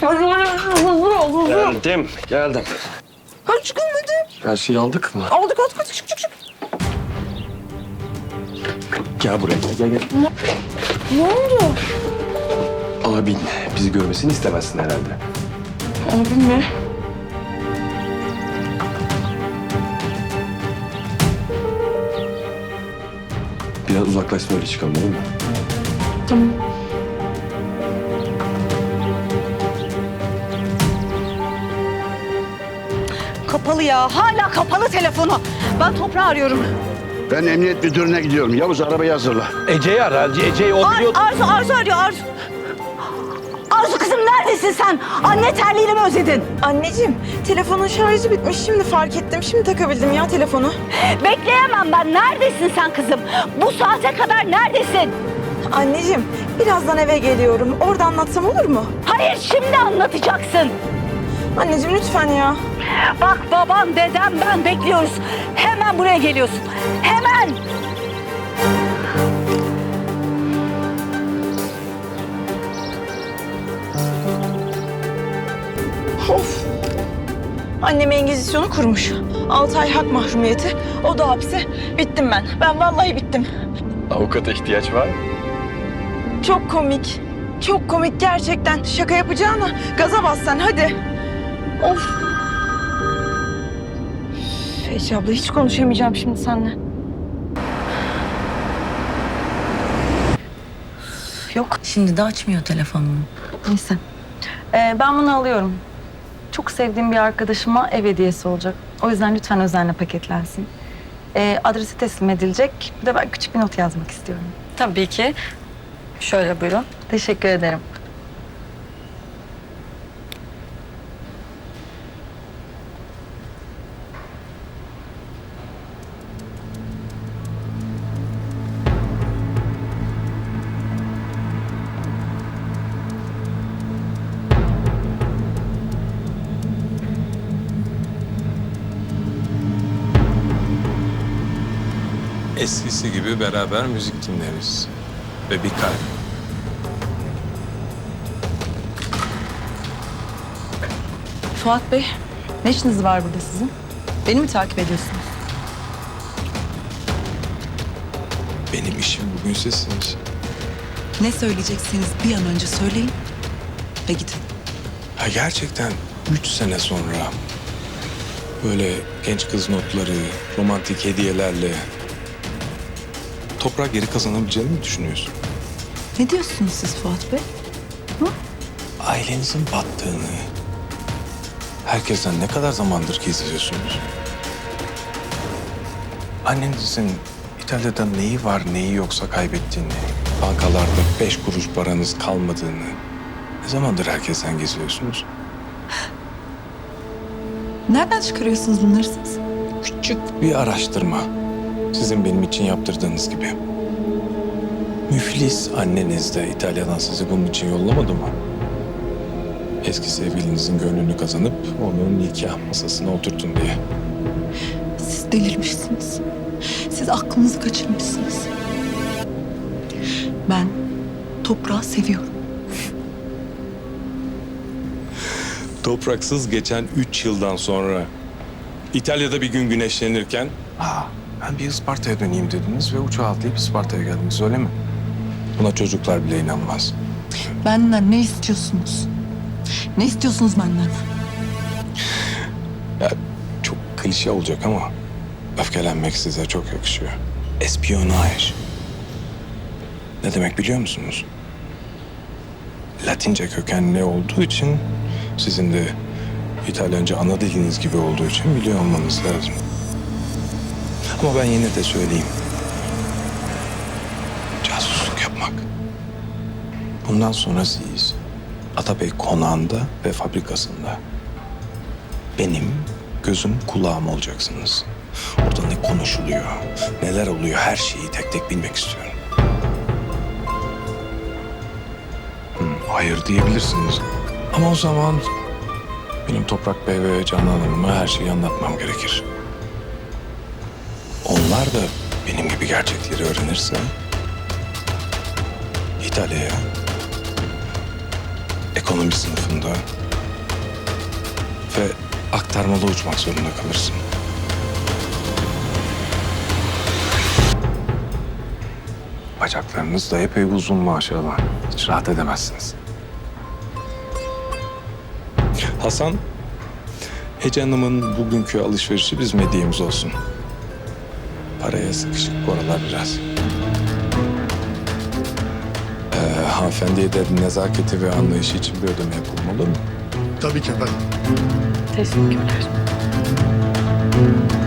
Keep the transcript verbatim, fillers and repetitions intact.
Hadi hadi hızlı ol hızlı. Geldim, geldim. Hadi çıkın hadi. Her şeyi aldık mı? Aldık aldık hadi çık çık çık. Gel buraya, gel gel. Ne, ne oldu? Abin bizi görmesini istemezsin herhalde. Abim mi? Biraz uzaklaşsın öyle çıkalım olur mu? Tamam. Kapalı ya. Hala kapalı telefonu. Ben Toprağı arıyorum. Ben emniyet müdürüne gidiyorum. Yavuz arabayı hazırla. Ece'yi ara. Ece'yi o Ar biliyor. Arzu, Arzu arıyor. Arzu. Arzu kızım neredesin sen? Anne terliğini mi özledin? Anneciğim telefonun şarjı bitmiş şimdi fark ettim. Şimdi takabildim ya telefonu. Bekleyemem ben. Neredesin sen kızım? Bu saate kadar neredesin? Anneciğim birazdan eve geliyorum. Orada anlatsam olur mu? Hayır şimdi anlatacaksın. Anneciğim lütfen ya. Bak babam, dedem, ben bekliyoruz. Hemen buraya geliyorsun. Hemen. Of. Annem Engizisyonu kurmuş. Altı ay hak mahrumiyeti. O da hapse. Bittim ben. Ben vallahi bittim. Avukata ihtiyaç var mı? Çok komik. Çok komik gerçekten. Şaka yapacağına gaza bas sen hadi. Of. Ece abla hiç konuşamayacağım şimdi seninle. Yok, şimdi de açmıyor telefonunu. Neyse. Ee, ben bunu alıyorum. Çok sevdiğim bir arkadaşıma ev hediyesi olacak. O yüzden lütfen özenle paketlensin. Ee, adresi teslim edilecek. Bir de ben küçük bir not yazmak istiyorum. Tabii ki. Şöyle buyurun. Teşekkür ederim. Eskisi gibi beraber müzik dinleriz. Ve bir kalp. Fuat Bey, ne işiniz var burada sizin? Beni mi takip ediyorsunuz? Benim işim bugün sizsiniz. Ne söyleyeceksiniz bir an önce söyleyin ve gidin. Ha gerçekten üç sene sonra böyle genç kız notları, romantik hediyelerle Toprağı geri kazanabileceğini mi düşünüyorsun? Ne diyorsunuz siz Fuat Bey? Ailenizin battığını herkesten ne kadar zamandır gizliyorsunuz? Annenizin İtalya'da neyi var neyi yoksa kaybettiğini, bankalarda beş kuruş paranız kalmadığını ne zamandır herkesten gizliyorsunuz? Nereden çıkarıyorsunuz bunları siz? Küçük bir araştırma. Sizin benim için yaptırdığınız gibi. Müflis anneniz de İtalya'dan sizi bunun için yollamadı mı? Eski sevgilinizin gönlünü kazanıp onun nikah masasına oturtun diye. Siz delirmişsiniz. Siz aklınızı kaçırmışsınız. Ben toprağı seviyorum. Topraksız geçen üç yıldan sonra İtalya'da bir gün güneşlenirken Aa, ben bir Isparta'ya döneyim dediniz ve uçağa atlayıp Isparta'ya geldiniz öyle mi? Buna çocuklar bile inanmaz. Benden ne istiyorsunuz? Ne istiyorsunuz benden? Ya çok klişe olacak ama öfkelenmek size çok yakışıyor. Espionaj. Ne demek biliyor musunuz? Latince kökenli olduğu için sizin de İtalyanca ana diliniz gibi olduğu için biliyor olmanız lazım. Ama ben yine de söyleyeyim. Casusluk yapmak. Bundan sonra siz Atabey konağında ve fabrikasında benim gözüm kulağım olacaksınız. Orada ne konuşuluyor, neler oluyor her şeyi tek tek bilmek istiyorum. Hı, hayır diyebilirsiniz. Ama o zaman benim Toprak Bey ve Canan Hanım'a her şeyi anlatmam gerekir. Onlar da benim gibi gerçekleri öğrenirse İtalya'ya ekonomi sınıfında ve aktarmalı uçmak zorunda kalırsın. Bacaklarınız da epey uzun maşallah. Hiç rahat edemezsiniz. Hasan, Hece Hanım'ın bugünkü alışverişi bizim hediyemiz olsun. Paraya sıkışık bu aralar biraz. Ee, hanımefendiye de nezaketi ve anlayışı için bir ödeme yapılmalı mı? Tabii ki efendim. Teşekkürler.